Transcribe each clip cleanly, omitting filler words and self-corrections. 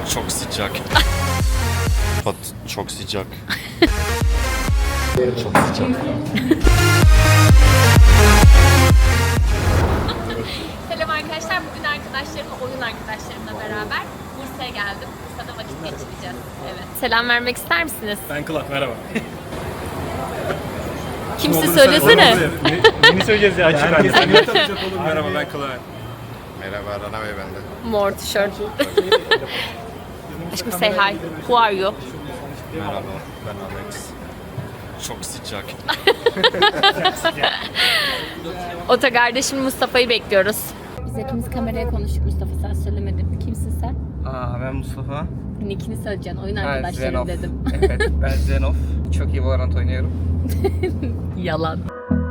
Çok sıcak. Çok sıcak. Çok sıcak. Selam arkadaşlar. Bugün arkadaşlarımla, oyun arkadaşlarımla beraber Bursa'ya geldim. Bursa'da vakit geçireceğiz. Evet. Selam vermek ister misiniz? Ben Kulak, merhaba. Kimse söylesene. Yeni söyleyeceğiz ya, açık ben de. Merhaba, ben Kulak. Merhaba Rana Bey bende. Mor tişört. Aşkım say hi. Who are you? Merhaba ben Alex. Çok sıcak. Otogarda şimdi Mustafa'yı bekliyoruz. Biz hepimiz kameraya konuştuk. Mustafa sen söylemedin. Kimsin sen? Ben Mustafa. Nickini söyleyeceksin. Oyun Ben arkadaşlarım Zenov. dedim. Evet, ben Zenov. Çok iyi Valorant oynuyorum. Yalan.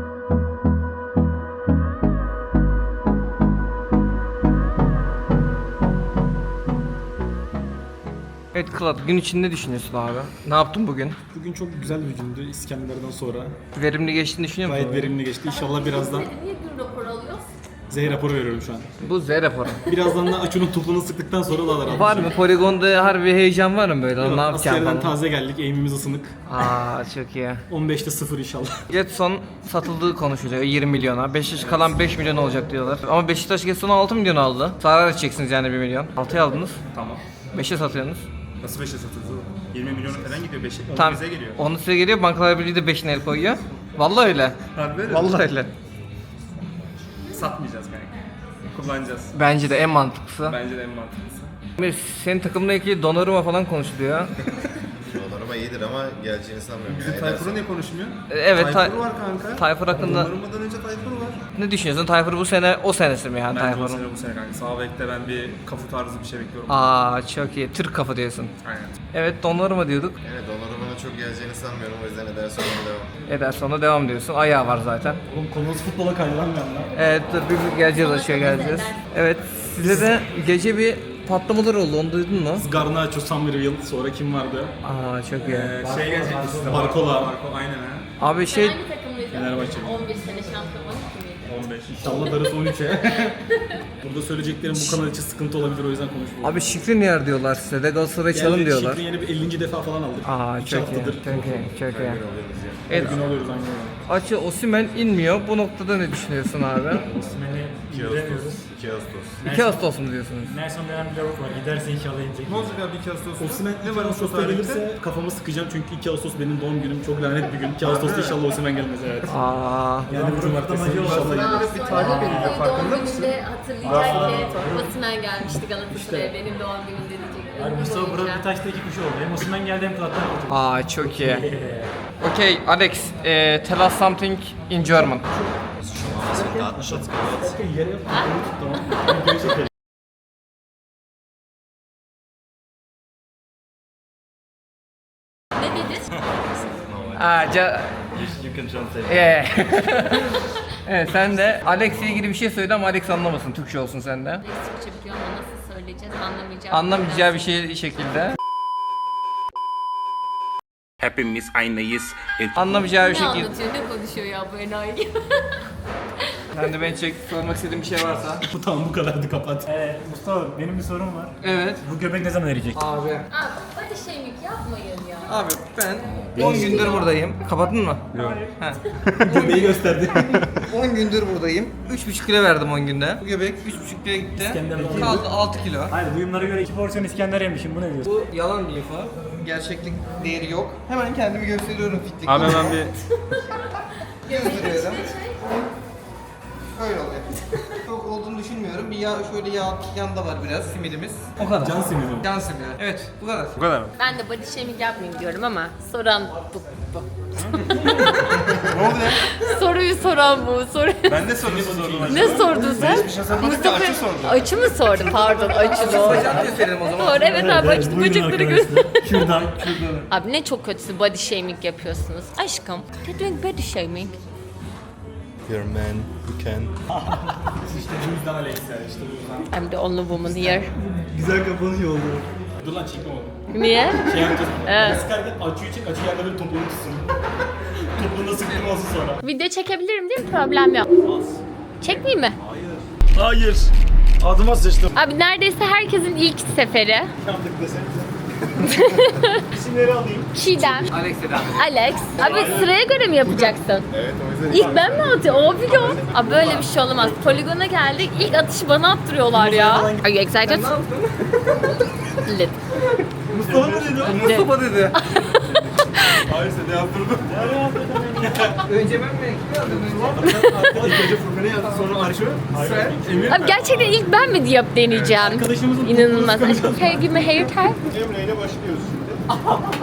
Evet Kılat, gün içinde ne düşünüyorsun abi? Ne yaptın bugün? Bugün çok güzel bir gündü İskender'den sonra. Verimli geçtiğini düşünüyor musun? Gayet verimli geçti. İnşallah birazdan Niye gün raporu alıyoruz? Z raporu veriyorum şu an. Bu Z raporu. Birazdan da Açu'nun topunu sıktıktan sonra daha rahat. Var mı? Poligonda harbi heyecan var mı böyle? Ne yapacağım Askerden falan? taze geldik. Eğimimiz ısınık. Çok iyi. 15'te 0 inşallah. Getson satıldığı konuşuluyor 20 milyona. Beşiktaş kalan 5 milyon olacak diyorlar. Ama Beşiktaş Getson'u 6 milyon aldı. Zarar edeceksiniz yani 1 milyon. 6'ya aldınız. Tamam. 5'e satıyorsunuz. Nasıl 5'e satıldı? 20 milyonu falan gidiyor 5'e. Tam Bize geliyor. onu size geliyor. Bankalar Birliği de 5'ine el koyuyor. Vallahi öyle. Harbi öyle. Vallahi öyle. Satmayacağız kanka. Kullanacağız. Bence de en mantıklısı. Bence de en mantıklısı. Senin takımla ilgili Donnarumma falan konuşuluyor. Donnarumma iyidir ama geleceğini sanmıyorum. Bizim Tayfur'u niye konuşmuyor? Evet, Tayfur var kanka. Tayfur hakkında Donnaruma'dan önce Tayfur var. ne düşünüyorsun? Tayfur bu sene o senesi mi yani Bence Tayfur'un? bu sene kanka. Sağ bekte ben bir kafu tarzı bir şey bekliyorum. Çok iyi. Türk kafa diyorsun. Aynen. Evet Donnarumma diyorduk. Evet Donnarumma'nın çok geleceğini sanmıyorum. O yüzden Ederson'a devam. Ederson'a devam diyorsun. Ayağı var zaten. Oğlum konumuz futbola kaydı lan bir anda. Evet dur bir geleceğiz aşağı geleceğiz. Evet size de gece bir patlamalar oldu onu duydun mu? Garnacho, Summerville, sonra kim vardı? Çok iyi. Şey gelecek işte. Barcola. Barco aynen ha. Abi şey Hangi takımlıydın? Fenerbahçe. 11 sene şampiyon 12 miydi? 15. İnşallah darısı 13'e. Burada söyleyeceklerim bu kanal için sıkıntı olabilir o yüzden konuşmuyorum. abi Şikrin diyorlar size de Galatasaray çalın diyorlar. Şifre yeni bir 50. defa falan aldık. 2 Çok iyi. haftadır. Çok iyi. Çok iyi. Her Evet. gün alıyoruz aynı öyle. Açı Osimhen inmiyor. Bu noktada ne düşünüyorsun abi? 2 Ağustos. 2 Ağustos mu diyorsunuz? Nelson denen bir lavuk var. Giderse inşallah inecek. Ne olacak abi 2 Ağustos'ta? Osimhen ne 2 var Ağustos'ta gelirse kafamı sıkacağım çünkü 2 Ağustos benim doğum günüm. Çok lanet bir gün. 2 Ağustos'ta inşallah Osimhen gelmez evet. Yani bu cumartesi inşallah inecek. bir tarih belirliyor farkında Doğum mısın? gününde hatırlayacak ki Osimhen gelmişti Galatasaray'a benim doğum günüm diyecek. Yani Mustafa Burak bir taşta iki kuş oldu. Hem Osimhen geldi hem Plattan. Çok iyi. Okay, Alex, tell us something in German. Yere yapıp tamam. Videoyu çekelim. Ne dedin? You can translate. Evet, sen de Alex'le ilgili bir şey söyle ama Alex anlamasın. Türkçe olsun sende. Türkçe biliyor ama nasıl söyleyeceğiz anlamayacağım. Anlamayacağı bir şey şekilde. Hepimiz aynıyız. Anlamayacağı bir Ne şekilde. anlatıyor ne konuşuyor ya bu enayi? Sen de beni sormak istediğin bir şey varsa. Bu tamam bu kadardı kapat. Mustafa benim bir sorum var. Evet. Bu göbek ne zaman erecek? Abi. Abi body shaming yapmayın ya. Abi ben 10 gündür buradayım. Kapattın mı? Yok. Göbeği gösterdi. 10 gündür buradayım. 3,5 kilo verdim 10 günde. Bu göbek 3,5 kilo gitti. İskender'deki- Kaldı 6 kilo. Hayır duyumlara göre 2 porsiyon İskender yemişim. Bu ne diyorsun? Bu yalan bir info. Gerçeklik değeri yok. Hemen kendimi gösteriyorum fitlik. Abi hemen bir gösteriyorum. Öyle oluyor. Çok olduğunu düşünmüyorum. Bir yağ, şöyle yağ yanda var biraz simidimiz. O kadar. Can simidi. Can simidi. Evet, bu kadar. bu kadar mı? Ben de body shaming yapmayayım diyorum ama soran bu. Ne oldu ya? Soruyu soran bu. Ben de sorusu sordum. Ne sordun sen? Mustafa açı sordum. Açı mı sordun? Pardon açı doğru. Bacağını gösterelim o zaman. Doğru evet abi açtı bacakları göster. Şuradan. Abi ne çok kötüsü body shaming yapıyorsunuz. Aşkım, you're doing body shaming. You're a man. You can. İşte bu yüzden Alex yani işte bu yüzden. I'm the only woman here. Güzel kapanış oldu. Dur lan çekme onu. Niye? Şey yapacağız. Evet. Sıkarken açıyı çek, açı yerde böyle topuğunu tutsun. Topuğunda sıktım olsun sonra. Video çekebilirim değil mi? Problem yok. Çekmeyeyim mi? Hayır. Adıma sıçtım. Abi neredeyse herkesin ilk seferi. Yandık desenize. İsimleri alayım. Çiğdem, Alex selam. Alex. Abi sıraya göre mi yapacaksın? Evet o yüzden İlk ben mi atıyorum? Abi ya. Abi böyle bir şey olamaz. Poligona geldik. İlk atışı bana attırıyorlar ya. Are you excited? Lit. Mustafa mı dedi? Mustafa dedi. Hayır sen de yaptırdın. Önce ben mi? Kim yazdı önce? İlk önce Furkan'ı yazdı sonra Arşo. Sen. Emir. Abi gerçekten ilk ben mi diye deneyeceğim. Arkadaşımızın İnanılmaz. Hey, give me hair tie. Emre ile başlıyoruz şimdi.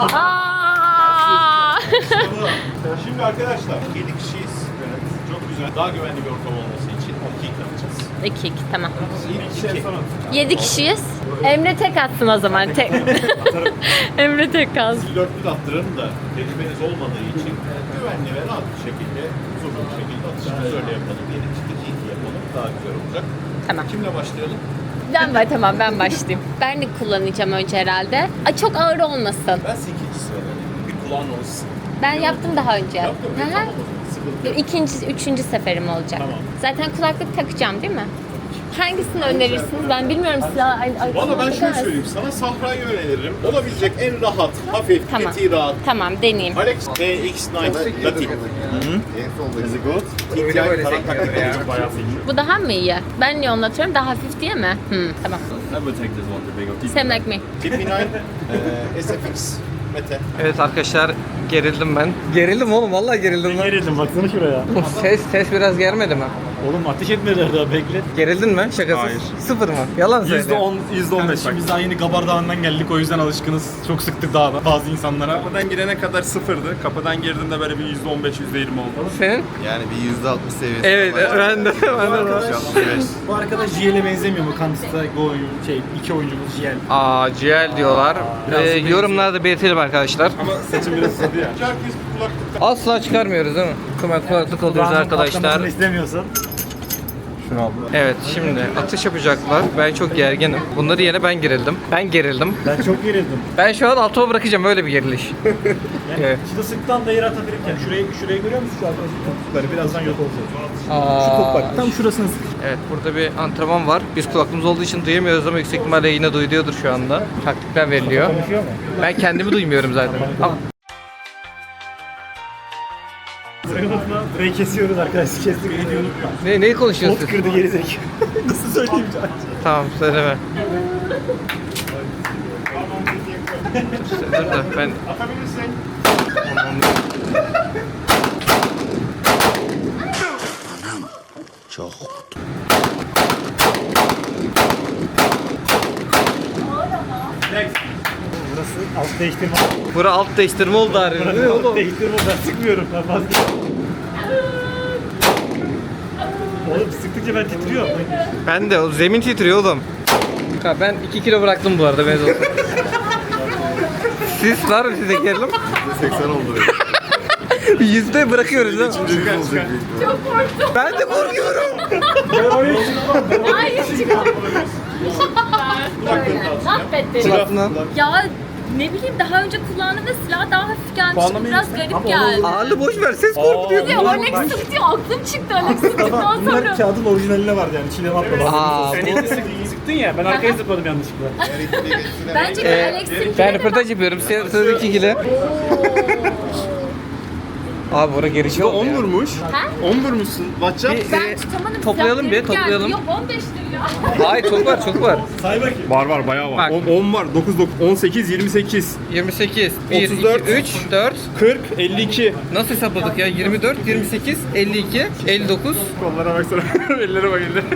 Aa! Şimdi arkadaşlar 7 kişiyiz. Evet. Çok güzel. Daha güvenli bir ortam olması için 2 atacağız. 2 tamam. İlk 2. 7 kişiyiz. Emre tek atsın o zaman. Tek. Emre tek kalsın. Siz dörtlü de attıralım da tecrübeniz olmadığı için güvenli ve rahat bir şekilde, huzurlu bir şekilde atışımızı öyle yapalım. 7 kişilik 2 yapalım. Daha güzel olacak. Tamam. Kimle başlayalım? Tamam ben başlayayım. Ben de kullanacağım önce herhalde. Ay çok ağır olmasın. Ben 8. sıradayım. Bir kulağın olsun. Ben yaptım daha önce. Yaptın mı? Hı hı. Tamam o zaman. Sıkıntı yok. İkinci, üçüncü seferim olacak. Tamam. Zaten kulaklık takacağım değil mi? Hangisini önerirsiniz? Ben bilmiyorum silah. Valla ben şöyle söyleyeyim. Sana Sahra'yı öneririm. Olabilecek en rahat, hafif, Tamam. eti rahat. Tamam deneyeyim. Alex DX9 Latin. en soldaki. Is it good? TTI karakter ya. Bayağı Bu daha mı iyi? Ben niye onu atıyorum? Daha hafif diye mi? Tamam. I will take this one, the big one. Same like me. TP9 SFX Mete. Evet arkadaşlar gerildim ben. Gerildim oğlum vallahi gerildim lan. Gerildim baksana şuraya. Ses biraz germedi mi? Oğlum ateş etmediler daha bekle. Gerildin mi? Şakasız. Hayır. Sıfır mı? Yalan söyle. %10, %15. Biz daha yeni Gabar Dağı'ndan geldik o yüzden alışkınız. Çok sıktık dağda bazı insanlara. Kapıdan girene kadar sıfırdı. Kapıdan girdiğinde böyle bir %15, %20 oldu. Senin? Yani bir %60 seviyesi. Evet ben de. Bu arkadaş JL'e benzemiyor mu? Counter-Strike iki oyuncumuz JL. Aa GL diyorlar. Yorumlarda belirtelim arkadaşlar. Ama saçım biraz uzadı ya. Herkes bir kulaklık Asla çıkarmıyoruz değil mi? Kulaklık oluyoruz arkadaşlar. Patlamasını istemiyorsan. Evet şimdi atış yapacaklar. Ben çok gerginim. Bunları yine ben gerildim. Ben gerildim. Ben çok gerildim. Ben şu an altıma bırakacağım öyle bir geriliş. Yani Evet. şurada sıktan da yere atabilirken şurayı görüyor musun şu arkadaşın topukları birazdan yok olacak. Aa, Şu top bak tam şurasını sık. Evet burada bir antrenman var. Biz kulaklığımız olduğu için duyamıyoruz ama yüksek ihtimalle yine duyuluyordur şu anda. Taktikler veriliyor. Konuşuyor mu? Ben kendimi duymuyorum zaten. Ama Unutma. Burayı kesiyoruz arkadaşlar. Kestik. Beni diyor unutma. neyi konuşuyorsun? Pot kırdı gerizekalı. Nasıl söyleyeyim canım? Tamam söyleme. Dur da ben atabilirsin. Burası alt değiştirme. bura alt değiştirme oldu abi. Burası alt değiştirme. Ben sıkmıyorum. Ben vazgeçtim. Oğlum sıktıkça ben titriyorum. Ben de o zemin titriyor oğlum. Ha, ben 2 kilo bıraktım bu arada ben olsun. Siz var mı size gerilim? 80 oldu. Yüzde bırakıyoruz değil mi? Üçüncü olacak. Ben de korkuyorum. Hayır çıkalım. Mahvettin. Kulaklığına. Ya ne bileyim daha önce kullandığımda silah daha hafif gelmişti. Biraz garip geldi. Ağırlı boş ver ses korkutuyor. Ya Alex sıktı aklım çıktı Alex sıktıktan Bunlar sonra. kağıdın orijinaline vardı yani. İçine atmadı. Aa, Sıktın ya. Ben arkaya zıpladım yanlışlıkla. Bence Alex'in ben röportaj yapıyorum. Sıradaki ikili. Abi oraya geri şey oldu 10 ya. vurmuş. Ha? 10 vurmuşsun. WhatsApp. Ben tutamadım. Toplayalım silah bir, garip geldi. toplayalım. Yok 15 lira. Hayır çok var çok var. Say bakayım. Var bayağı Bak. var. 10 var. 18, 28, 28, 1, 34, 2, 3, 4. 40, 52. Nasıl hesapladık ya? 24, 28, 52, 59. Kollara baksana. Ellere bak ellere.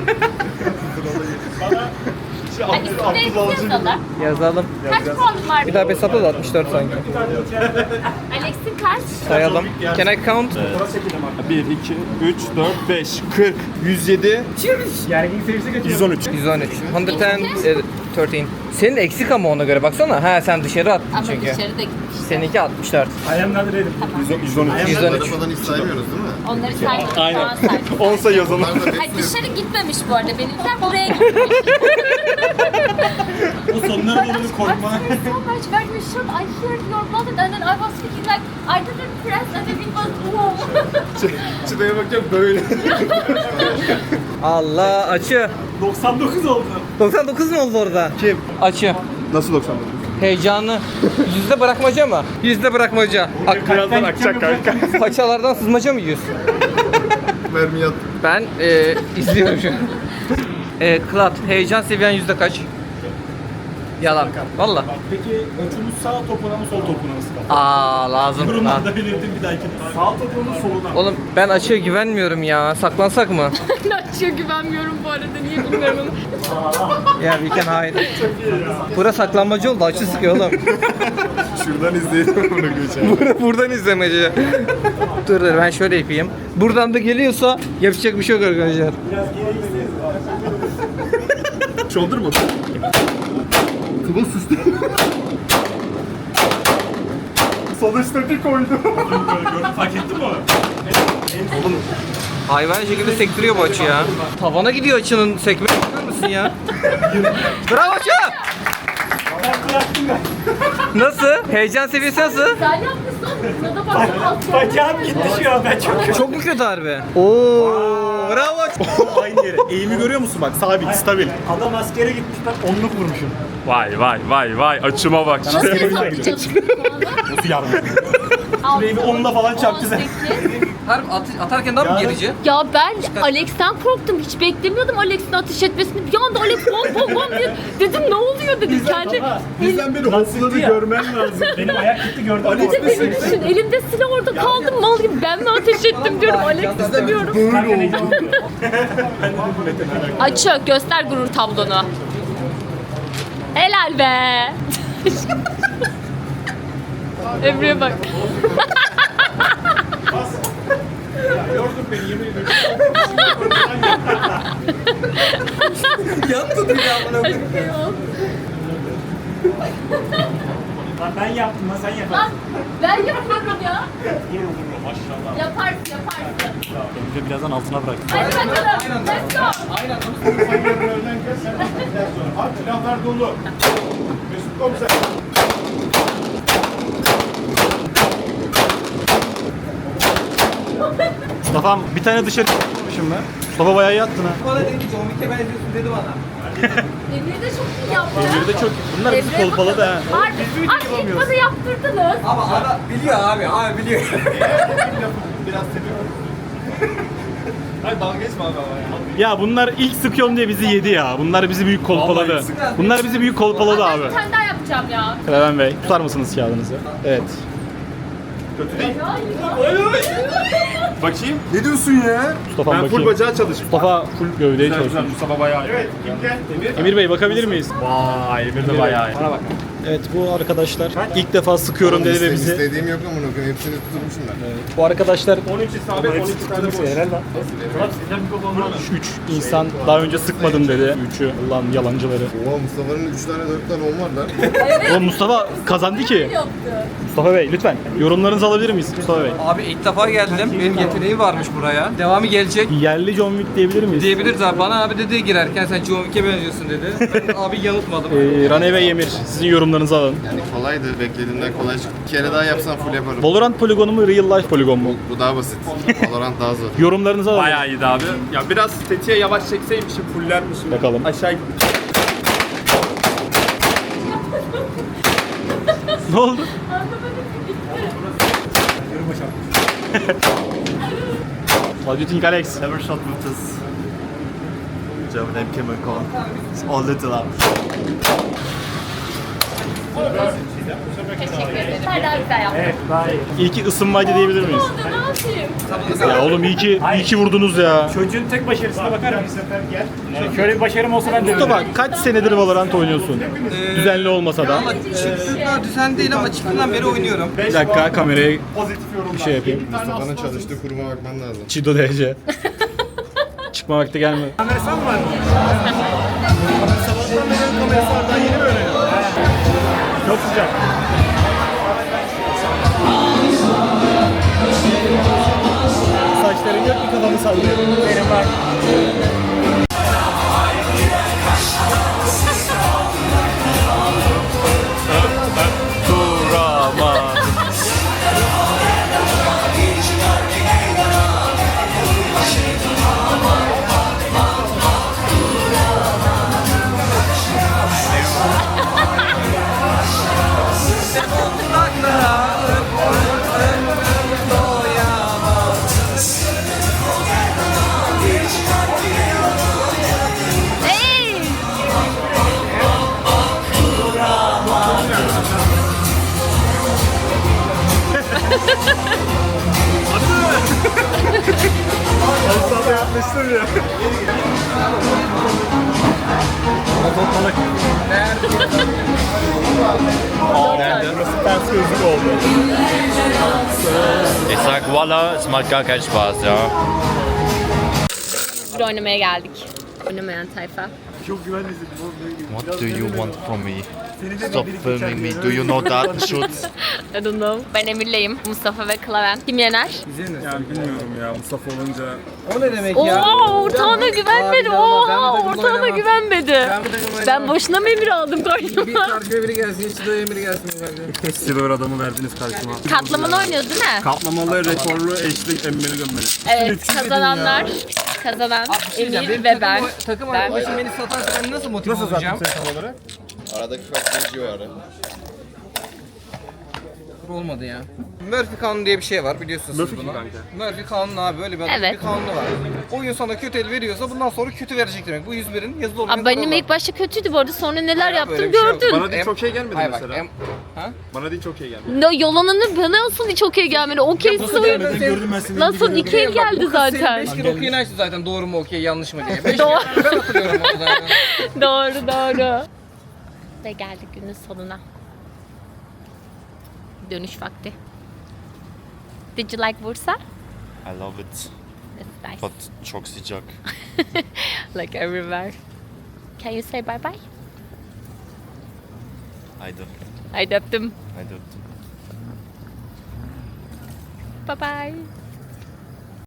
Hani isimlerinizi yazalım. Yazalım. Kaç puanın var? Bir daha bir hesapla da 64 sanki. Alex'in kaç? Sayalım. Can I count? 1, 2, 3, 4, 5, 40, 107, Gergin seviyesi kaçıyor. 113. 113. 113. Senin eksik ama ona göre baksana. Ha sen dışarı attın Ama çünkü. dışarıda gitmiş. Seninki 64. Ayağım nerede dedim. 113. 113. Arabadan hiç saymıyoruz değil mi? Onları saymadık. Puan saydık. 10 sayıyoruz onu. Bunlar da Hayır hepsi dışarı gitmemiş bu arada benimkiler buraya gitmiş. O sonlara doğru korkma. So much when you shoot, I heard your bullet and then I was thinking like I didn't press and then it was boom. Çıtaya bakacağım böyle. Allah açı. 99 oldu. 99 mu oldu orada? Kim? Açı. Nasıl 99? Heyecanlı. Yüzde bırakmaca mı? Yüzde bırakmaca. Birazdan akacak kanka. Paçalardan sızmaca mı yiyorsun? Mermi yattı. Ben izliyorum şu an. Klat, heyecan seviyen yüzde kaç? Yalan. Valla. Peki uçumuz sağ topuna mı sol topuna mı sıkalım? Aa lazım. Ha. Durumlarda belirttim bir dahaki. Sağ topunun soluna. Oğlum ben açıya güvenmiyorum ya. Saklansak mı? Açıyor güvenmiyorum bu arada. Niye bilmiyorum. Ya we can hide. Bura saklanmacı oldu. Açı sıkıyor oğlum. Şuradan izleyelim bunu geçelim. Buradan izlemeci. Dur ben şöyle yapayım. Buradan da geliyorsa yapacak bir şey yok arkadaşlar. Shoulder mu? Kıvıl süslü. Sonuçta koydu. Fark ettin mi onu? Hayvan şekilde sektiriyor bu açı ya. Tavana gidiyor açının sekme. Bakar mısın ya? Bravo açı! Nasıl? Heyecan seviyesi nasıl? Sen yapmışsın. Sana bak. Bacağım gitti şu an ben çok. Çok mu kötü harbi? Oo, bravo açı. Aynı yere. Eğimi görüyor musun bak? Sabit, stabil. Adam askere gitmiş ben onluk vurmuşum. Vay açıma bak. Nasıl hesaplayacağız puanı? Nasıl yardım Şurayı bir onunla falan çarptı sen. 18. Harbi atarken daha mı gerici? Ya ben Alex'ten korktum. Hiç beklemiyordum Alex'in ateş etmesini. Bir anda Alex bom bom bom diye dedim ne oluyor dedim. Kendi Bizden beri hopladı görmen lazım. Benim ayak gitti gördün mü? bir de beni düşün. Elimde silah orada kaldım mal gibi. Ben mi ateş ettim diyorum. Alex istemiyorum. Açıyor. Göster gurur tablonu. Helal be. Emre'ye bak. Yordun beni yemin ediyorum. Yattı ya bana. Lan ben yaptım lan sen Lan yaparsın. ben yapıyorum ya. Vurma maşallah. Yaparsın. Beni de birazdan altına bırak. Hadi bakalım. Let's go. Hadi silahlar dolu. Mesut komiser. Mustafa'm bir tane dışarı çıkmışım ben. Mustafa bayağı yattın ha. Bana dedi ki John Wick'e benziyorsun dedi bana. Emre de çok iyi yaptı. Bir de çok bunlar bizi Emre kolpaladı ha. Harbi. Ay ilk bana yaptırdınız. Ama adam biliyor abi biliyor. Biraz seviyorum. Hayır dalga geçme abi ama ya. Ya bunlar ilk sıkıyorum diye bizi yedi ya. Bunlar bizi büyük kolpaladı. Bunlar bizi büyük kolpaladı Ben abi. bir tane daha yapacağım ya. Levent Bey tutar mısınız kağıdınızı? Evet. Bakayım. Ne diyorsun ya? Mustafa Ben full bakayım. bacağı çalıştım. Mustafa full gövdeyi çalışıyor. Mustafa bayağı. Evet kimken? Emir. Emir Bey bakabilir miyiz? Vay Emir de bayağı. Bana bak. Evet bu arkadaşlar ilk defa sıkıyorum dedi ve bizi. İstediğim yok ama bunu hepsini tutturmuşum ben. Bu arkadaşlar 13 isabet 12 tane boş. 3 insan daha önce sıkmadım dedi. 3'ü Allah'ın yalancıları. Oha Mustafa'nın 3 tane 4 tane 10 var lan. Oğlum Mustafa kazandı ki. Yaptı. Mustafa Bey lütfen yorumlarınızı alabilir miyiz Mustafa Bey? Abi ilk defa geldim. Benim yeteneğim varmış buraya. Devamı gelecek. Yerli John Wick diyebilir miyiz? Diyebiliriz abi. Bana abi dedi girerken sen John Wick'e benziyorsun dedi. Ben abi yanıltmadım. Rane ve Emir sizin yorumlarınızı alın. Yani kolaydı, beklediğimden kolay çıktı. Bir kere daha yapsam full yaparım. Valorant poligonu mu Real Life poligon mu? Bu daha basit. Valorant daha zor. Yorumlarınızı alın. Bayağı iyiydi abi. Ya biraz tetiğe yavaş çekseymişim, fullermişim. Bakalım. Aşağı Ne oldu? What do you think Alex? Never shot with this German name chemical. It's all little up. Teşekkür ederim. Sen daha güzel yaptın. İyi ki ısınmaydı diyebilir miyiz? Ne yapayım? Ya oğlum iyi ki vurdunuz ya. Çocuğun tek başarısına bakar mısın? Şöyle bir başarım olsa ben de Mustafa kaç senedir Valorant oynuyorsun? Düzenli olmasa da. Ama çıktığında düzen değil ama çıktığından beri oynuyorum. Bir dakika kamerayı bir şey yapayım. Mustafa'nın çalıştığı kuruma bakman lazım. Çido DC. Çıkma vakti gelmedi. Çok sıcak. Saçların yok ki kafamı sallıyor. Benim var. Sana yapmıştım ya. Burası ters gözlük oldu. Ich sag Walla, es macht gar keinen Spaß, ja. Bir oynamaya geldik. Oynamayan tayfa. Çok güvenlisin. What do you want from me? Stop filming me. Do you know Datenschutz? I don't know. Ben Emir'leyim. Mustafa ve Klaven. Kim yener? Yani bilmiyorum ya Mustafa olunca. O ne demek Oha ortağına güvenmedi. Abi, ben Oha bu takımda ortağına oynamam. güvenmedi. Ben bu takımda Ben oynamam. boşuna mı Emir aldım Bir karşıma? karşıya biri gelsin, hiç de biri gelsin bence. Silver adamı verdiniz karşıma. Katlamalı oynuyoruz değil mi? Kaplamalı, rekorlu, eşlik, emmeli gömmeli. Evet kazanan Emir ve ben. Takım Ben- arkadaşım beni satarsa ben nasıl motive Nasıl olacağım? sattın sen tam olarak? Aradaki fark geçiyor ara. Olmadı ya. Murphy kanunu diye bir şey var biliyorsunuz Murphy siz bunu. kanka. Murphy kanunu abi böyle bir Evet. bir kanunu var. Oyun sana kötü el veriyorsa bundan sonra kötü verecek demek. Bu 101'in yazılı olmayan Abi benim kuralı. ilk başta kötüydü bu arada sonra neler Hayır, yaptım böyle bir şey yok. gördün. Bana değil çok şey gelmedi Hayır bak, mesela. Bana değil çok şey gelmedi. Ne yalanını bana nasıl hiç okey gelmedi. Okey Nasıl soru. gelmedi? Gördüm ben seni. Nasıl iki el geldi zaten. 5 kere okuyun açtı zaten doğru mu okey yanlış mı diye. 5 Doğru. kere ben hatırlıyorum onu zaten. Doğru. Ve geldik günün sonuna. Dönüş vakti. Did you like Bursa? I love it. It's nice. But çok sıcak. Like everywhere. Can you say bye bye? Haydi. Haydi öptüm. Haydi öptüm. Bye bye.